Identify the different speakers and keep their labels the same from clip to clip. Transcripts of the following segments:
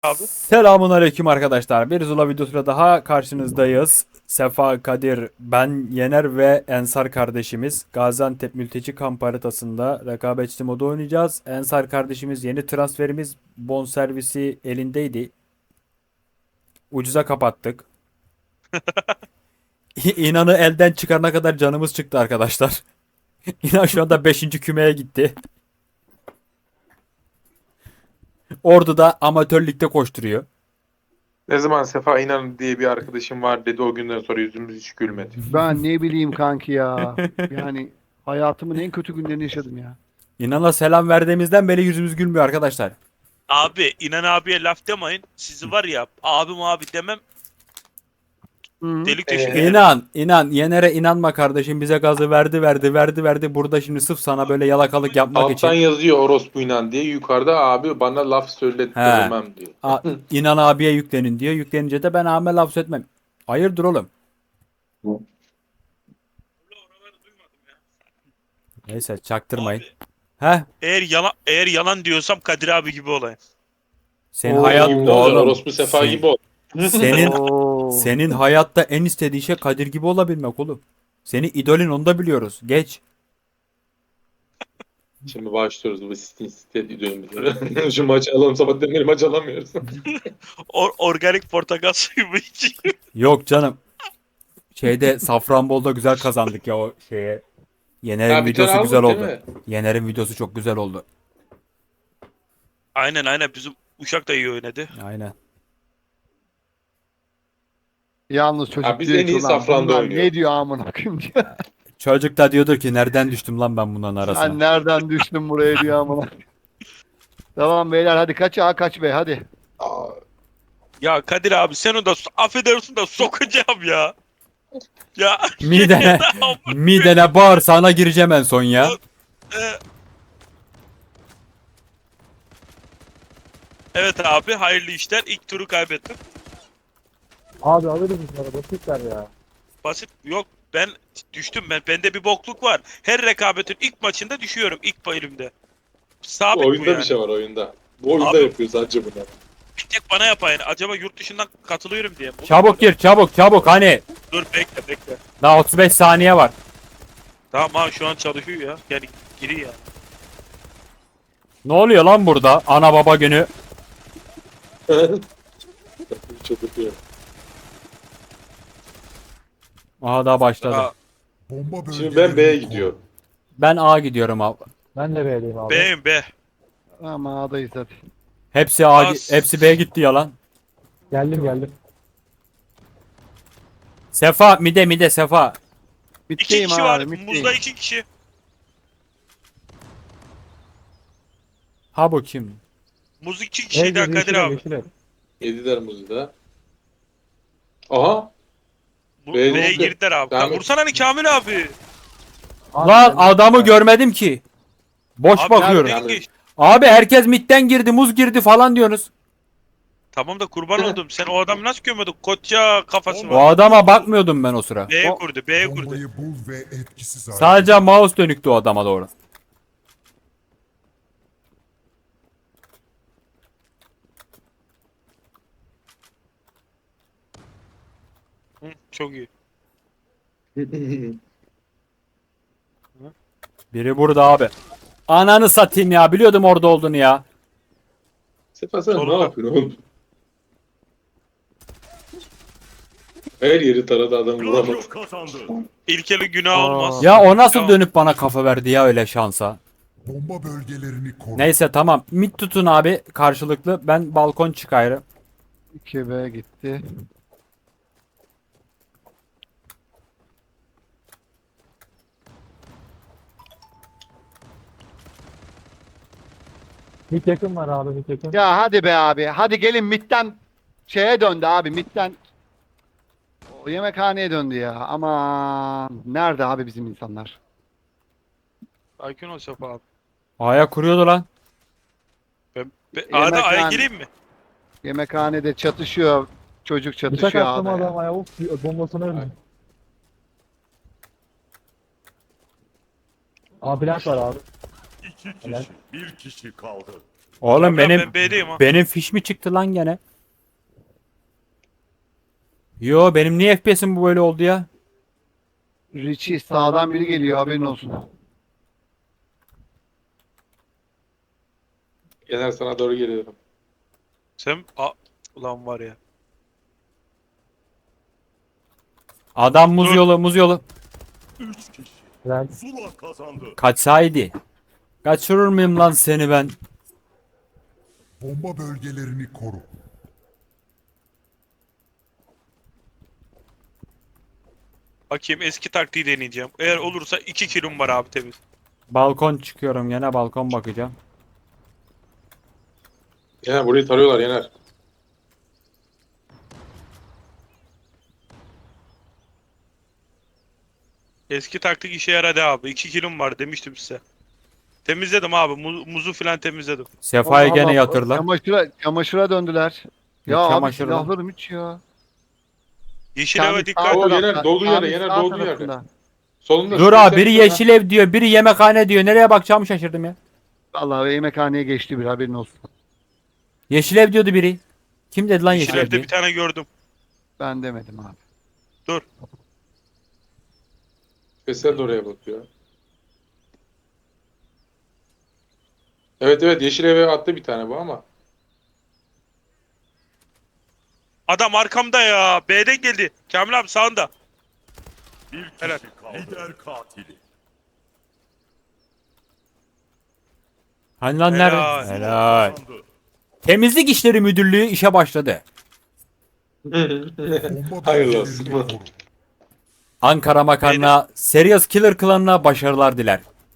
Speaker 1: Abi.
Speaker 2: Selamun aleyküm arkadaşlar. Bir Zula videosuyla daha karşınızdayız. Sefa, Kadir, ben, Yener ve Ensar kardeşimiz Gaziantep mülteci kamp haritasında rekabetçi modu oynayacağız. Ensar kardeşimiz yeni transferimiz bonservisi elindeydi. Ucuza kapattık. İnan'ı elden çıkarana kadar canımız çıktı arkadaşlar. İnan şu anda 5. kümeye gitti. Ordu'da amatör ligde koşturuyor.
Speaker 1: Ne zaman Sefa İnan diye bir arkadaşım var dedi, o günden sonra yüzümüz hiç gülmedi.
Speaker 3: Ben ne bileyim kanki ya. Yani hayatımın en kötü günlerini yaşadım ya.
Speaker 2: İnan'a selam verdiğimizden beri yüzümüz gülmüyor arkadaşlar.
Speaker 4: Abi İnan abiye laf demeyin. Sizi var ya abim abi demem
Speaker 3: Hı.
Speaker 4: delik deşik
Speaker 1: Ee,
Speaker 4: ederim.
Speaker 2: İnan, Yener'e inanma kardeşim, bize gazı verdi. Burada şimdi sırf sana böyle yalakalık yapmak
Speaker 1: Alttan
Speaker 2: için.
Speaker 1: yazıyor orospu İnan diye, yukarıda abi bana laf söylettirmem diyor.
Speaker 2: İnan abiye yüklenin diyor. Yüklenince de ben abime laf etmem. Hayırdır oğlum? Neyse çaktırmayın.
Speaker 4: Abi,
Speaker 2: Heh,
Speaker 4: eğer yalan diyorsam Kadir abi gibi olayım.
Speaker 2: senin
Speaker 3: Oo.
Speaker 2: hayat
Speaker 1: Gibi ne olacak?
Speaker 2: oğlum.
Speaker 1: Orospu Sefa
Speaker 2: sen-
Speaker 1: gibi ol.
Speaker 2: senin
Speaker 3: Oo.
Speaker 2: senin hayatta en istediğin şey Kadir gibi olabilmek oğlum. Seni idolün, onu da biliyoruz. Geç.
Speaker 1: Şimdi başlıyoruz bu site videomuzu. Şu maçı alalım, sabahtan beri maç alamıyoruz.
Speaker 4: Organik portakal suyu mu içeyim?
Speaker 2: Yok canım. Şeyde Safranbolu'da güzel kazandık ya o şeye. Yener'in
Speaker 1: Ha, bir tane
Speaker 2: videosu güzel
Speaker 1: aldık
Speaker 2: oldu.
Speaker 1: değil mi?
Speaker 2: Yener'in videosu çok güzel oldu.
Speaker 4: Aynen bizim Uşak da iyi oynadı.
Speaker 2: Aynen.
Speaker 3: Yalnız çocuk
Speaker 1: Ha, biz
Speaker 3: diyor
Speaker 1: en
Speaker 3: ki
Speaker 1: iyi
Speaker 3: ulan
Speaker 1: safranda
Speaker 3: bunlar
Speaker 1: oynuyor.
Speaker 3: ne diyor amına koyayım diyor.
Speaker 2: Çocuk da diyordur ki nereden düştüm lan ben bunların
Speaker 3: Sen
Speaker 2: arasına.
Speaker 3: nereden düştün buraya diyor amına. Tamam beyler hadi kaç A kaç B hadi.
Speaker 1: Aa,
Speaker 4: Ya Kadir abi sen o da affedersin da sokacağım ya. Ya
Speaker 2: Midene, midene bağırsağına gireceğim en son ya.
Speaker 4: e, evet abi hayırlı işler. İlk turu kaybettim.
Speaker 5: Abi alırız bunları basitler ya.
Speaker 4: Basit yok ben düştüm bende bir bokluk var. Her rekabetin ilk maçında düşüyorum ilk elimde. Sabit bu
Speaker 1: oyunda
Speaker 4: yani.
Speaker 1: bir şey var oyunda. Bu oyunda
Speaker 4: Abi-
Speaker 1: yapıyoruz sadece bunu.
Speaker 4: Bir tek bana yapayın. Acaba yurt dışından katılıyorum diye.
Speaker 2: Çabuk gir, çabuk hani.
Speaker 4: Dur bekle.
Speaker 2: Daha 35 saniye var.
Speaker 4: Tamam ha şu an çalışıyor ya. Yani giri ya.
Speaker 2: Ne oluyor lan burada? Ana baba günü.
Speaker 1: Çıldırtıyor.
Speaker 2: Aha daha başladı.
Speaker 4: Ha,
Speaker 6: Bomba
Speaker 1: Şimdi ben B'ye
Speaker 6: bölgelerini
Speaker 1: gidiyorum.
Speaker 2: Ben A gidiyorum abi.
Speaker 5: Ben de B'liyim abi.
Speaker 4: B'yim B.
Speaker 3: Ama A'dayız hadi.
Speaker 2: Hepsi hepsi B gitti ya lan.
Speaker 5: Geldim.
Speaker 2: Sefa mide Sefa.
Speaker 4: İki
Speaker 3: Bitteyim
Speaker 4: kişi var.
Speaker 3: abi bitteyim.
Speaker 4: Muzda 2 kişi.
Speaker 2: Ha bu kim?
Speaker 4: Muz 2
Speaker 5: Ev
Speaker 4: kişiydi ha
Speaker 5: gibi
Speaker 4: Kadir
Speaker 5: yeşil ev,
Speaker 4: abi.
Speaker 5: yeşil ev.
Speaker 1: Yediler muzu da. Aha. B'ye
Speaker 4: B'ye
Speaker 1: girdi.
Speaker 4: girdiler abi.
Speaker 1: Devam
Speaker 4: Ya
Speaker 1: et.
Speaker 4: vursana hani Kamil abi.
Speaker 5: Abi
Speaker 2: Lan
Speaker 5: geldim.
Speaker 2: adamı görmedim ki. Boş
Speaker 4: Abi
Speaker 2: bakıyorum.
Speaker 4: nereden geçti?
Speaker 2: Abi herkes midden girdi, muz girdi falan diyorsunuz.
Speaker 4: Tamam da kurban oldum. Sen o adamı nasıl gömüyordun? Koça kafası
Speaker 2: O
Speaker 4: var.
Speaker 2: adama bakmıyordum ben o sıra.
Speaker 4: B'ye
Speaker 3: O-
Speaker 4: kurdu. B'ye kurdu.
Speaker 6: bombayı bul ve etkisiz hale
Speaker 2: Sadece mouse dönüktü o adama doğru.
Speaker 4: Hı, çok iyi.
Speaker 2: Biri burada abi. Ananı satayım ya. Biliyordum orada olduğunu ya.
Speaker 1: Sefa sen ne
Speaker 4: Solunda.
Speaker 1: yapıyorsun oğlum? Her yeri taradı, adam vuramadı.
Speaker 4: İlkeli günah
Speaker 3: Aa.
Speaker 4: olmaz.
Speaker 2: Ya o nasıl
Speaker 4: Tamam.
Speaker 2: dönüp bana kafa verdi ya öyle şansa.
Speaker 6: bomba bölgelerini koru.
Speaker 2: Neyse tamam. Mid tutun abi karşılıklı. Ben balkon çıkayım.
Speaker 3: 2B gitti.
Speaker 5: Mid yakın var abi mid yakın.
Speaker 3: Ya hadi be abi. Hadi gelin midden şeye döndü abi midden. O yemekhaneye döndü ya. Aman nerede abi bizim insanlar?
Speaker 4: Sakin ol Sefa abi.
Speaker 2: A'ya kuruyordu lan.
Speaker 4: A'da A'ya
Speaker 3: Yemekhane.
Speaker 4: gireyim mi?
Speaker 3: Yemekhanede çatışıyor. Çocuk
Speaker 5: Bıçak
Speaker 3: çatışıyor
Speaker 5: attım
Speaker 3: A'da ya.
Speaker 5: adama ya. Of bombasını öldüm. Abi plant var abi.
Speaker 7: İki
Speaker 5: Helal.
Speaker 7: kişi, bir kişi kaldı.
Speaker 2: Oğlum
Speaker 4: Kamil abi,
Speaker 2: benim
Speaker 4: ben B'deyim ha.
Speaker 2: benim fiş mi çıktı lan gene? Yo benim niye FPS'im bu böyle oldu ya?
Speaker 3: Richie sağdan biri geliyor haberin olsun.
Speaker 1: Yener sana doğru geliyorum.
Speaker 4: Sen ulan var ya.
Speaker 2: Adam muz
Speaker 4: Dur.
Speaker 2: yolu muz yolu.
Speaker 5: Lan
Speaker 2: Kaçsaydı. Kaçırır mıyım lan seni ben?
Speaker 6: Bomba bölgelerini koru.
Speaker 4: Bakayım eski taktiği deneyeceğim. Eğer olursa 2 kilom var abi temiz.
Speaker 2: Balkon çıkıyorum gene balkon bakacağım.
Speaker 1: Yener burayı tarıyorlar Yener.
Speaker 4: Eski taktik işe yaradı abi. 2 kilom var demiştim size. Temizledim abi. Muzu filan temizledim.
Speaker 2: Sefa'yı
Speaker 3: Allah
Speaker 2: gene
Speaker 3: Allah,
Speaker 2: yatırlar.
Speaker 3: Çamaşıra döndüler.
Speaker 2: Ne
Speaker 3: Ya abi
Speaker 2: çamaşırı lan?
Speaker 3: silahlarım hiç ya.
Speaker 4: Yeşil
Speaker 3: Kamil
Speaker 4: eve
Speaker 3: sağ
Speaker 4: dikkat.
Speaker 1: Oo,
Speaker 3: tarafta,
Speaker 1: Yener, dolduğu yere,
Speaker 3: Kamil
Speaker 1: Yener,
Speaker 3: sağ
Speaker 1: dolduğu yerde.
Speaker 3: tarafında.
Speaker 1: Solunda.
Speaker 2: Dur
Speaker 1: şu
Speaker 2: abi biri
Speaker 1: göstereyim
Speaker 2: yeşil ev diyor, biri yemekhane diyor. Nereye bakacağımı şaşırdım ya.
Speaker 3: Vallahi yemekhaneye geçti bir haberin olsun.
Speaker 2: Yeşil ev diyordu biri. Kim dedi lan
Speaker 4: Yeşil
Speaker 2: yeşil ev
Speaker 4: evde
Speaker 2: diye?
Speaker 4: bir tane gördüm.
Speaker 3: Ben demedim abi.
Speaker 4: Dur.
Speaker 1: Veysel de oraya bakıyor. Evet evet yeşil eve attı bir tane bu ama.
Speaker 4: Adam arkamda ya. B'den geldi. Kamil abi sağında. Helal.
Speaker 7: Lider katili.
Speaker 2: Hani lan
Speaker 4: Helal.
Speaker 2: nerede? Helal.
Speaker 7: Kazandı.
Speaker 2: Temizlik işleri müdürlüğü işe başladı.
Speaker 6: Bomba
Speaker 1: Hayırlı olsun.
Speaker 6: bölgelerini koru.
Speaker 2: Ankara Makarna Serious Killer klanına başarılar diler.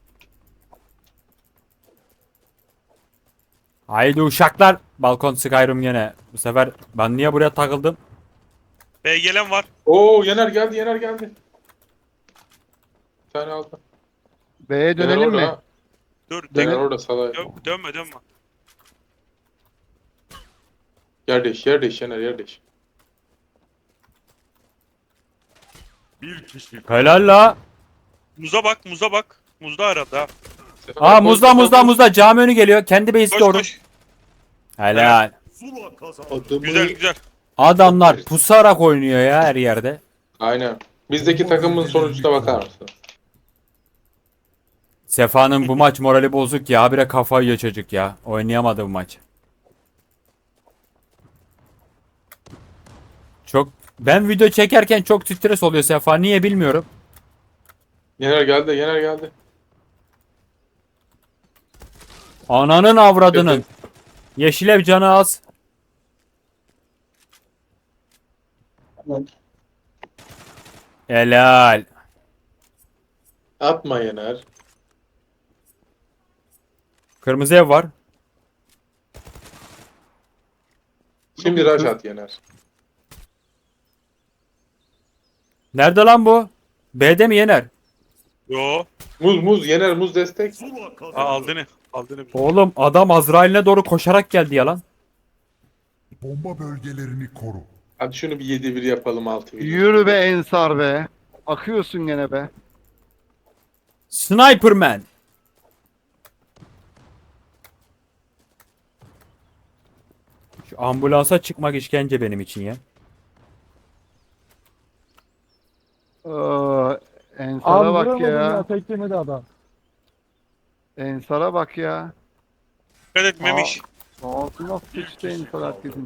Speaker 2: Haydi uşaklar. Balkon Skyrim gene. Bu sefer ben niye buraya takıldım?
Speaker 4: B gelen var.
Speaker 1: Oo Yener geldi Yener geldi. Bir tane aldı.
Speaker 3: B'ye
Speaker 1: Yener
Speaker 3: dönelim
Speaker 1: orada
Speaker 3: mi?
Speaker 1: ha.
Speaker 4: Dur.
Speaker 1: Yener orada salay.
Speaker 4: Dönme dönme.
Speaker 1: Yer değiş yer değiş Yener yer değiş.
Speaker 7: Bir kişi
Speaker 2: Helal la.
Speaker 4: Muza bak muza bak. Muzda arada ha.
Speaker 2: Aa muzda cami önü geliyor. Kendi base'i
Speaker 4: Koş
Speaker 2: doğru.
Speaker 4: koş.
Speaker 2: Helal.
Speaker 7: Zula kazandı.
Speaker 1: Adamı-
Speaker 4: Güzel güzel.
Speaker 2: Adamlar pusarak oynuyor ya her yerde.
Speaker 1: Aynen. Bizdeki takımın sonucuna bakar mısın?
Speaker 2: Sefa'nın bu maç morali bozuk ya. Habire kafayı yiyor çocuk ya. Oynayamadı bu maç. Ben video çekerken çok stres oluyor Sefa. Niye bilmiyorum.
Speaker 1: Yener geldi Yener geldi.
Speaker 2: Ananın avradının. Yeşilev canı az. Helal.
Speaker 1: Atma Yener.
Speaker 2: Kırmızı ev var.
Speaker 1: Şimdi rush at Yener.
Speaker 2: Nerede lan bu? B'de mi Yener?
Speaker 4: Yo.
Speaker 1: Muz Yener muz destek.
Speaker 7: Zula kazandı.
Speaker 4: Aldığını. Aldığını.
Speaker 2: Oğlum adam Azrail'ine doğru koşarak geldi ya lan.
Speaker 6: Bomba bölgelerini koru.
Speaker 1: Hadi şunu bir 7-1 yapalım 6-1.
Speaker 3: Yürü be Ensar be. Akıyorsun gene be.
Speaker 2: Sniperman. Şu ambulansa çıkmak işkence benim için ya.
Speaker 3: Ensar'a
Speaker 5: abi
Speaker 3: bak
Speaker 5: vuramadım ya.
Speaker 3: ya.
Speaker 5: Tek yemedi adam.
Speaker 3: Ensar'a bak ya.
Speaker 4: Dikkat et Memiş.
Speaker 3: Ağzına sıçtı Ensar herkesin.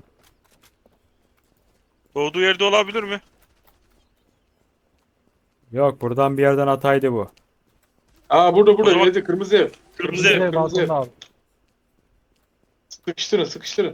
Speaker 4: Doğduğu yerde olabilir mi?
Speaker 2: Yok buradan bir yerden ataydı bu.
Speaker 1: Aa burada
Speaker 4: O zaman-
Speaker 1: yedi kırmızı ev.
Speaker 4: Kırmızı ev.
Speaker 5: Direkt
Speaker 1: kırmızı ev.
Speaker 5: balkonda abi.
Speaker 1: Sıkıştırın sıkıştırın.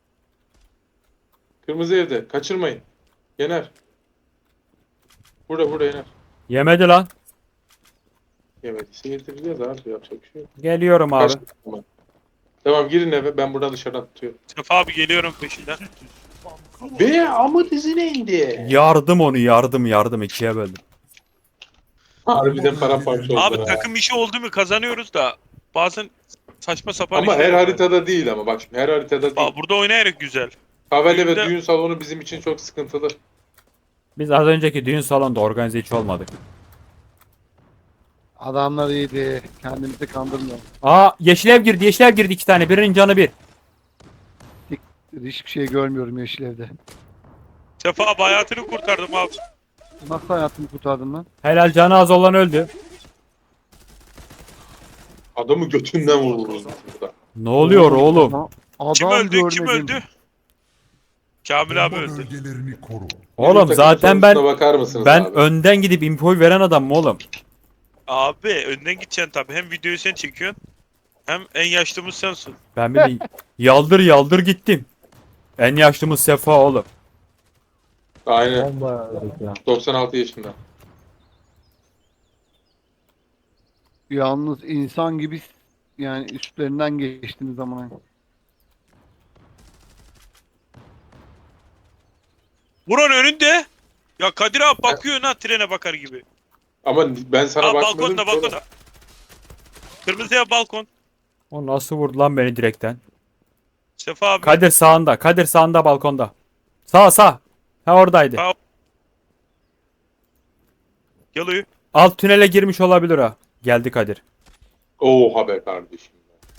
Speaker 1: Kırmızı evde kaçırmayın. Yener. Burada Yener.
Speaker 2: Yemedi lan.
Speaker 1: Yemediyse getireceğiz abi yapacak bir şey yok.
Speaker 2: Geliyorum abi.
Speaker 1: Kaç- Tamam. Tamam girin eve ben buradan dışarıdan tutuyorum.
Speaker 4: Sefa abi geliyorum peşinden.
Speaker 1: Be ama dizine indi.
Speaker 2: Yardım onu yardım ikiye böldüm.
Speaker 1: Harbiden paramparça oldu.
Speaker 4: Abi
Speaker 1: ha.
Speaker 4: takım işi oldu mu kazanıyoruz da bazen saçma sapan
Speaker 1: Ama
Speaker 4: işler
Speaker 1: her
Speaker 4: var.
Speaker 1: haritada değil ama bak şimdi her haritada değil.
Speaker 4: Aa, burada oynayarak güzel.
Speaker 1: Kahveli ve
Speaker 4: düğünde-
Speaker 1: düğün salonu bizim için çok sıkıntılı.
Speaker 2: Biz az önceki düğün salonunda organize hiç olmadık.
Speaker 3: Adamlar iyiydi. Kendimizi kandırmıyor.
Speaker 2: Aa yeşil ev girdi, yeşil ev girdi 2 tane. Birinin canı 1.
Speaker 3: Hiçbir şey görmüyorum yeşil evde.
Speaker 4: Sefa abi hayatını kurtardım abi.
Speaker 3: Nasıl hayatımı kurtardın lan?
Speaker 2: Helal, canı az olan öldü.
Speaker 1: Adamı götünden vururuz burada.
Speaker 2: Ne oluyor oğlum?
Speaker 3: Adam
Speaker 4: Kim öldü?
Speaker 3: görmedim.
Speaker 4: Kim öldü? Kamil abi
Speaker 6: Bomba
Speaker 4: öldü.
Speaker 6: bölgelerini koru.
Speaker 2: Oğlum
Speaker 1: Takım
Speaker 2: zaten
Speaker 1: sonucuna bakar mısınız
Speaker 2: ben
Speaker 1: abi?
Speaker 2: önden gidip infoyu veren adam mı oğlum?
Speaker 4: Abi önden gideceksin tabii. Hem videoyu sen çekiyorsun. Hem en yaşlımız sensin.
Speaker 2: Ben bir de yaldır yaldır gittim. En yaşlımız Sefa oğlum.
Speaker 1: Aynen.
Speaker 5: Bomba öldük ya.
Speaker 1: 96 yaşında.
Speaker 3: Yalnız insan gibi yani üstlerinden geçtiğiniz zaman.
Speaker 4: Buranın önünde. Ya Kadir abi bakıyor ha trene bakar gibi.
Speaker 1: Ama ben sana
Speaker 4: Aa,
Speaker 1: bakmadım.
Speaker 4: balkonda
Speaker 1: ki oğlum.
Speaker 4: balkonda. Kırmızı ev balkon.
Speaker 2: O nasıl vurdu lan beni direkten?
Speaker 4: Sefa abi.
Speaker 2: Kadir sağında. Kadir sağında balkonda. Sağ sağ. Ha oradaydı.
Speaker 4: Sağ. Geliyor.
Speaker 2: Alt tünele girmiş olabilir ha. Geldi Kadir.
Speaker 1: Oha be kardeşim.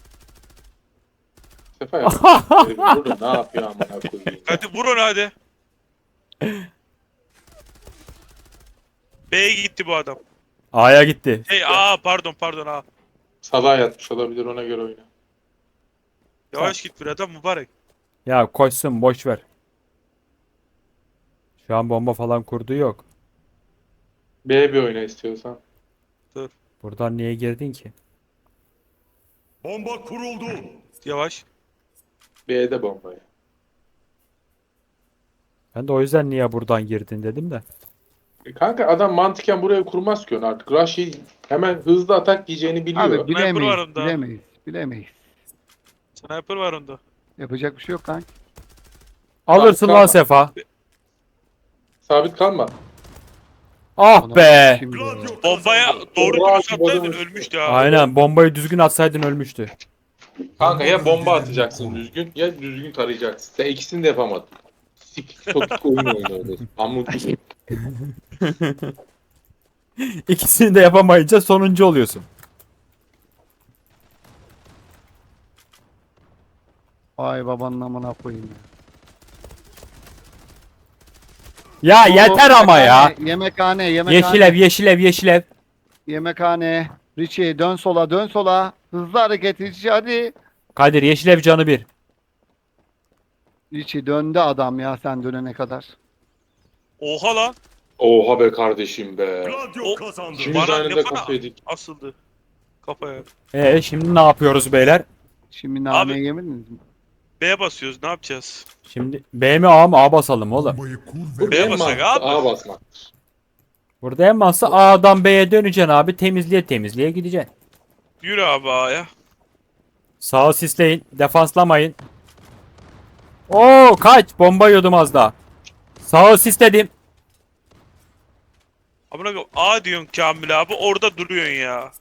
Speaker 1: Sefa ya. Burada ne yapıyor amına koyayım.
Speaker 4: Hadi vur onu hadi. B'ye gitti bu adam.
Speaker 2: A'ya gitti.
Speaker 4: Hey pardon A.
Speaker 1: Salağa yatmış olabilir, ona göre oyna.
Speaker 4: Yavaş git bir adam mübarek.
Speaker 2: Ya koşsun boş ver. Şu an bomba falan kurdu yok.
Speaker 1: B bir oyna istiyorsan.
Speaker 2: Buradan niye girdin ki?
Speaker 7: Bomba kuruldu.
Speaker 4: Yavaş.
Speaker 1: B'de bombaya.
Speaker 2: Ben de o yüzden niye buradan girdin dedim de.
Speaker 1: Kanka adam mantıken buraya kurmaz ki onu artık. Rush'ı hemen hızlı atak yiyeceğini biliyor.
Speaker 3: Abi
Speaker 4: var
Speaker 3: bilemeyiz.
Speaker 4: onda.
Speaker 3: Bilemeyiz. Bilemeyiz.
Speaker 4: Sniper var onda.
Speaker 3: Yapacak bir şey yok kanka.
Speaker 2: Alırsın
Speaker 1: Tamam.
Speaker 2: lan Sefa.
Speaker 1: Sabit kalma.
Speaker 2: Ah
Speaker 3: Ona
Speaker 2: be.
Speaker 3: şimdi-
Speaker 7: Gladio
Speaker 4: Bombaya
Speaker 7: kazandı.
Speaker 4: doğru
Speaker 1: Bravo,
Speaker 4: dürüst atsaydın
Speaker 1: adamı-
Speaker 4: ölmüştü ha.
Speaker 2: Aynen bombayı düzgün atsaydın ölmüştü.
Speaker 1: Kanka ya bomba atacaksın düzgün ya düzgün tarayacaksın. Sen ikisini de yapamadın. Topik oyun oynuyoruz. Pamuk.
Speaker 2: İkisini de yapamayınca sonuncu oluyorsun.
Speaker 3: Vay babanın amına koyayım
Speaker 2: Ya
Speaker 3: ya.
Speaker 2: yeter ama ya.
Speaker 3: Yemekhane.
Speaker 2: Yeşil ev, yeşil ev, yeşil ev.
Speaker 3: Yemekhane. Richie dön sola dön sola. Hızlı hareket Richie hadi.
Speaker 2: Kadir yeşil ev canı 1.
Speaker 3: Richie döndü adam ya sen dönene kadar.
Speaker 4: Oha lan.
Speaker 1: Oha be kardeşim be.
Speaker 7: Gladio
Speaker 4: O-
Speaker 7: kazandı.
Speaker 1: İkimiz
Speaker 4: Bana
Speaker 1: aynı
Speaker 4: ne
Speaker 1: da
Speaker 4: bana-
Speaker 1: kafa yedik.
Speaker 4: Asıldı. Kafaya.
Speaker 2: Şimdi ne yapıyoruz beyler?
Speaker 3: Şimdi nane
Speaker 4: Abi-
Speaker 3: yemediniz mi?
Speaker 4: B'ye basıyoruz ne yapacağız?
Speaker 2: Şimdi B mi A mı? A basalım oğlum.
Speaker 6: Bombayı kur
Speaker 1: Bu
Speaker 6: ve
Speaker 4: B'ye
Speaker 1: en
Speaker 4: basak
Speaker 1: mantıklı
Speaker 4: abi.
Speaker 1: A basmak.
Speaker 2: Burada en mantıklı A'dan B'ye döneceksin abi. Temizliğe gideceksin.
Speaker 4: Yürü abi A'ya.
Speaker 2: Sağı sisleyin. Defanslamayın. Oo kaç. Bomba yiyordum az daha. Sağı sisledim.
Speaker 4: Amına koyayım, A diyorsun Kamil abi orada duruyorsun ya.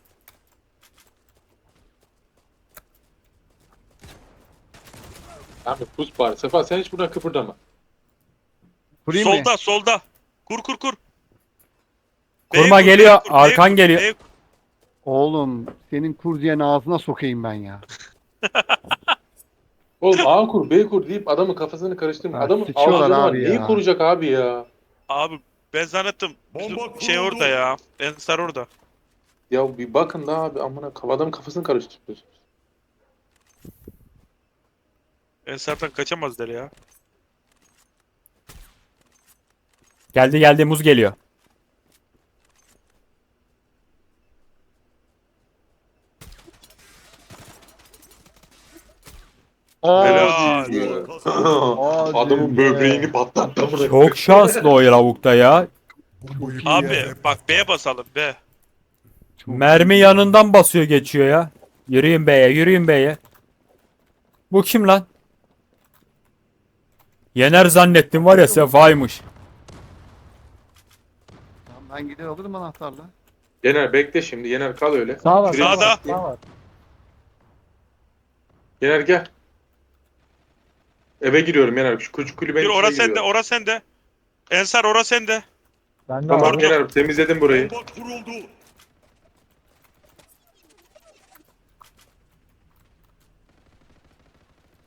Speaker 1: Abi pus bari. Sefa sen hiç buradan kıpırdama.
Speaker 3: Kurayım mı?
Speaker 4: Solda. Kur.
Speaker 2: Kurma
Speaker 4: B'ye kur,
Speaker 2: geliyor,
Speaker 4: B'ye kur, B'ye
Speaker 2: arkan
Speaker 4: kur,
Speaker 2: geliyor.
Speaker 4: B'ye kur.
Speaker 3: Oğlum senin kur diyen ağzına sokayım ben ya.
Speaker 1: Oğlum A kur, B kur deyip adamın kafasını karıştırma.
Speaker 3: Ha,
Speaker 1: Adamın
Speaker 3: sıçıyorlar
Speaker 1: ağzını var.
Speaker 3: abi
Speaker 1: Neyi
Speaker 3: ya.
Speaker 1: koruyacak abi ya?
Speaker 4: Abi ben zannettim. Bizim
Speaker 7: Bomba
Speaker 4: şey
Speaker 7: kuruldu.
Speaker 4: orada ya. Ensar orada.
Speaker 1: Ya bir bakın da abi amına adamın kafasını karıştırıyorsun.
Speaker 4: Ensar'dan kaçamazlar ya.
Speaker 2: Geldi muz geliyor.
Speaker 4: Helal.
Speaker 3: Hadi. Hadi
Speaker 1: Adamın
Speaker 3: be.
Speaker 1: böbreğini patlattı amına.
Speaker 2: Çok şanslı o lavukta ya.
Speaker 6: bombayı kur
Speaker 4: Abi
Speaker 6: ve
Speaker 4: bak B'ye basalım B.
Speaker 2: Mermi yanından basıyor geçiyor ya. Yürüyün B'ye. Bu kim lan? Yener zannettim var ya Sefa'ymış.
Speaker 3: Tamam, ben gider alırım anahtarla.
Speaker 1: Yener bekle şimdi. Yener kal öyle.
Speaker 5: Sağ var.
Speaker 1: Şuraya
Speaker 5: Sağ var.
Speaker 4: Sağda.
Speaker 5: Sağ var.
Speaker 1: Yener gel. Eve giriyorum Yener. Şu küçük kulübenin
Speaker 4: Bir
Speaker 1: içine
Speaker 4: ora sende,
Speaker 1: giriyorum.
Speaker 4: ora sende. Ensar ora sende.
Speaker 5: Ben de
Speaker 1: Tamam
Speaker 5: var.
Speaker 1: Yener temizledim burayı.
Speaker 7: Bomba kuruldu.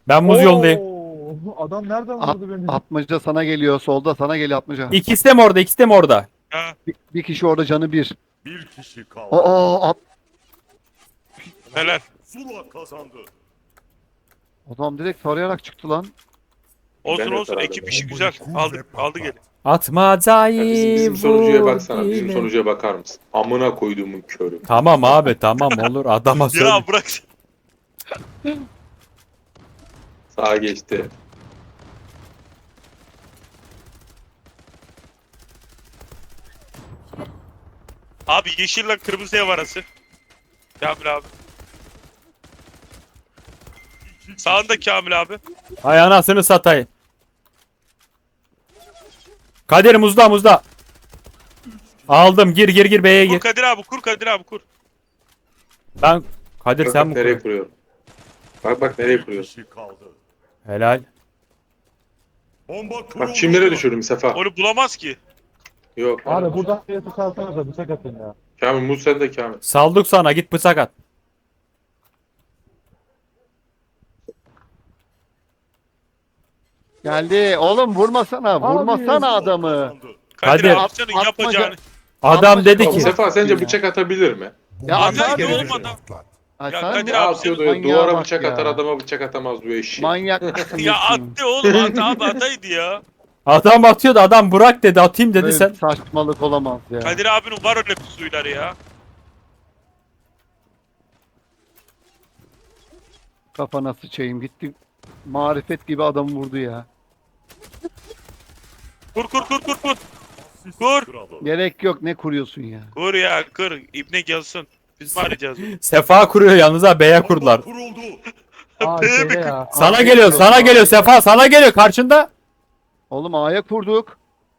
Speaker 2: Ben muz yolundayım.
Speaker 5: Oo, adam nereden vurdu beni?
Speaker 3: Atmaca sana geliyor. Solda sana geliyor Atmaca.
Speaker 2: İkisi de mi orada? İkisi de mi orada?
Speaker 4: Ha,
Speaker 3: Bir kişi orada canı bir.
Speaker 7: Bir kişi kaldı.
Speaker 3: Aa,
Speaker 4: helal.
Speaker 7: Zula kazandı.
Speaker 3: adam direkt tarayarak çıktı lan.
Speaker 4: Olsun
Speaker 1: Ben de
Speaker 4: olsun
Speaker 1: taradım
Speaker 4: ekip
Speaker 1: ya.
Speaker 4: işi güzel. Aldı kere.
Speaker 2: Atmacayı
Speaker 1: Ya bizim sonucuya baksana. Bizim
Speaker 2: vur.
Speaker 1: sonucuya bakar mısın? Amına koyduğumun körü.
Speaker 2: Tamam abi tamam olur adama söyle.
Speaker 4: Ya bırak.
Speaker 1: Sağa geçti.
Speaker 4: Abi yeşille kırmızı ev arası. Kamil abi. Sağında Kamil abi.
Speaker 2: Hay anasını satayım. Kadir muzda muzda. Aldım gir B'ye
Speaker 4: Kur
Speaker 2: gir.
Speaker 4: Kadir abi kur Kadir abi kur.
Speaker 2: Ben Kadir
Speaker 1: Bak,
Speaker 2: sen
Speaker 1: bak
Speaker 2: mi
Speaker 1: nereye
Speaker 2: kuruyorsun?
Speaker 1: kuruyorum. Bak nereye
Speaker 7: Bir
Speaker 1: kuruyorsun.
Speaker 7: kişi kaldı.
Speaker 2: Helal.
Speaker 7: Bomba kuruldu.
Speaker 1: Bak çimlere düşürdüm Sefa.
Speaker 4: Onu bulamaz ki.
Speaker 1: Yok.
Speaker 5: Abi buradan bir yatık alsanıza bıçak atın ya.
Speaker 1: Kamil muz sende Kamil.
Speaker 2: Saldık sana git bıçak at.
Speaker 3: Geldi. Oğlum vurmasana. Vurmasana
Speaker 5: Abi.
Speaker 3: adamı.
Speaker 7: Kazandı.
Speaker 4: Kadir
Speaker 2: Kadir.
Speaker 4: abi senin
Speaker 3: Atmaca-
Speaker 4: yapacağını.
Speaker 2: Adam dedi
Speaker 3: Atmaca-
Speaker 2: ki
Speaker 1: Sefa sence
Speaker 3: Ya.
Speaker 1: bıçak atabilir mi?
Speaker 3: Ya
Speaker 4: Atar
Speaker 3: atar
Speaker 4: ki
Speaker 3: ya.
Speaker 4: oğlum adam.
Speaker 6: Patlat.
Speaker 3: Ay
Speaker 4: Ya
Speaker 3: sen
Speaker 4: Kadir
Speaker 3: ne
Speaker 1: Ne
Speaker 4: abi
Speaker 1: atıyordu
Speaker 3: senin
Speaker 1: ya?
Speaker 3: manyağa
Speaker 1: Duvara
Speaker 3: bak
Speaker 1: bıçak
Speaker 3: ya.
Speaker 1: atar adama bıçak atamaz diyor eşi.
Speaker 3: Manyak mısın?
Speaker 4: Ya attı oğlum abi ataydı ya.
Speaker 2: adam atıyordu adam bırak dedi atayım dedi
Speaker 3: Böyle
Speaker 2: sen.
Speaker 3: bir saçmalık olamaz ya.
Speaker 4: Kadir abinin var öyle pusuyları ya.
Speaker 3: Kafana sıçayım gitti. Marifet gibi adamı vurdu ya.
Speaker 4: Kur.
Speaker 7: Asist
Speaker 4: Kur.
Speaker 7: kralı.
Speaker 3: Gerek yok ne kuruyorsun ya.
Speaker 4: Kur ya kır. İbne gelsin. Biz mi arayacağız?
Speaker 2: Sefa kuruyor yalnız ha B'ye kurdular.
Speaker 7: Bomba kuruldu.
Speaker 5: Aa şeyde ya.
Speaker 2: Sana geliyor sana geliyor Sefa sana geliyor karşında.
Speaker 3: Oğlum A'ya kurduk.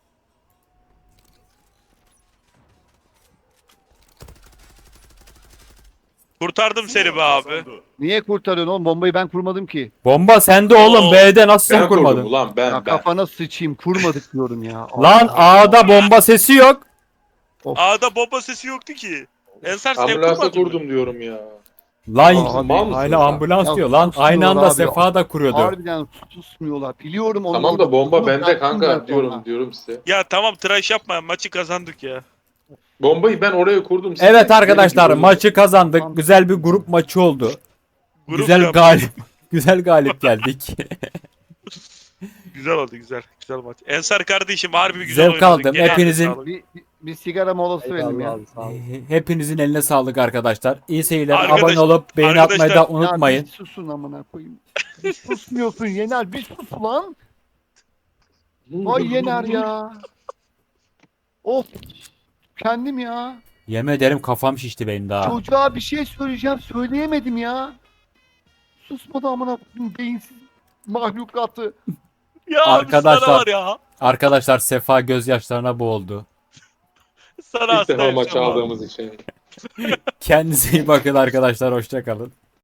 Speaker 4: Kurtardım seni be abi.
Speaker 7: Kazandı.
Speaker 3: Niye kurtarıyorsun oğlum? Bombayı ben kurmadım ki.
Speaker 2: Bomba sende oğlum
Speaker 4: Oo.
Speaker 2: B'de nasıl sen
Speaker 1: Ben kurdum
Speaker 2: kurmadın?
Speaker 1: ulan
Speaker 3: Ya
Speaker 1: ben.
Speaker 3: kafana sıçayım kurmadık diyorum ya.
Speaker 2: Lan A'da bomba sesi yok.
Speaker 4: A'da bomba sesi yoktu ki. Ensar sen
Speaker 1: Ambulansa
Speaker 4: kurmadın mı?
Speaker 1: kurdum diyorum ya.
Speaker 2: Lan
Speaker 3: Abi,
Speaker 1: mal mısın
Speaker 2: hala
Speaker 1: lan?
Speaker 2: ambulans
Speaker 3: Ya
Speaker 2: diyor lan
Speaker 3: susmuyorlar
Speaker 2: aynı anda
Speaker 3: abi.
Speaker 2: Sefa da kuruyordu.
Speaker 3: Harbiden susmuyorlar. Biliyorum onu.
Speaker 1: Tamam
Speaker 3: orada
Speaker 1: da bomba
Speaker 3: kurduğunu
Speaker 1: bende
Speaker 3: bıraktım
Speaker 1: kanka
Speaker 3: ben
Speaker 1: diyorum
Speaker 3: sonra.
Speaker 1: diyorum size.
Speaker 4: Ya tamam tıraş yapma maçı kazandık ya.
Speaker 1: Bombayı ben oraya kurdum. siz
Speaker 2: Evet
Speaker 1: de-
Speaker 2: arkadaşlar
Speaker 1: Benim gibi
Speaker 2: maçı kazandık. Güzel bir grup maçı oldu.
Speaker 4: Grup
Speaker 2: Güzel
Speaker 4: yap-
Speaker 2: galip. Güzel galip geldik.
Speaker 4: Güzel oldu güzel. Güzel maç. Ensar kardeşim harbi güzel
Speaker 2: Zevk
Speaker 4: oynadın.
Speaker 2: aldım.
Speaker 4: Gene
Speaker 2: Hepinizin-
Speaker 4: sağlık.
Speaker 3: Bir sigara molası verelim ya.
Speaker 5: Abi, sağ ol.
Speaker 2: Hepinizin eline sağlık arkadaşlar. İyi seyirler.
Speaker 4: Arkadaş-
Speaker 2: Abone olup beğeni
Speaker 4: arkadaşlar-
Speaker 2: atmayı da unutmayın.
Speaker 3: Ya bir susun amına koyayım. Bir susmuyorsun Yener. Bir sus lan. Vay Yener ya. Of. Kendim ya.
Speaker 2: Yemin ederim kafam şişti benim daha.
Speaker 3: Çocuğa bir şey söyleyeceğim. Söyleyemedim ya. Susmadı amına koyayım. Beyinsiz mahlukatı.
Speaker 4: Ya
Speaker 2: Arkadaşlar-
Speaker 4: sana var ya.
Speaker 2: Arkadaşlar Sefa gözyaşlarına boğuldu.
Speaker 4: Sana
Speaker 1: İlk
Speaker 4: hasta
Speaker 1: defa maç
Speaker 4: yaşam abi.
Speaker 1: aldığımız için.
Speaker 2: Kendinize iyi bakın arkadaşlar. Hoşça kalın.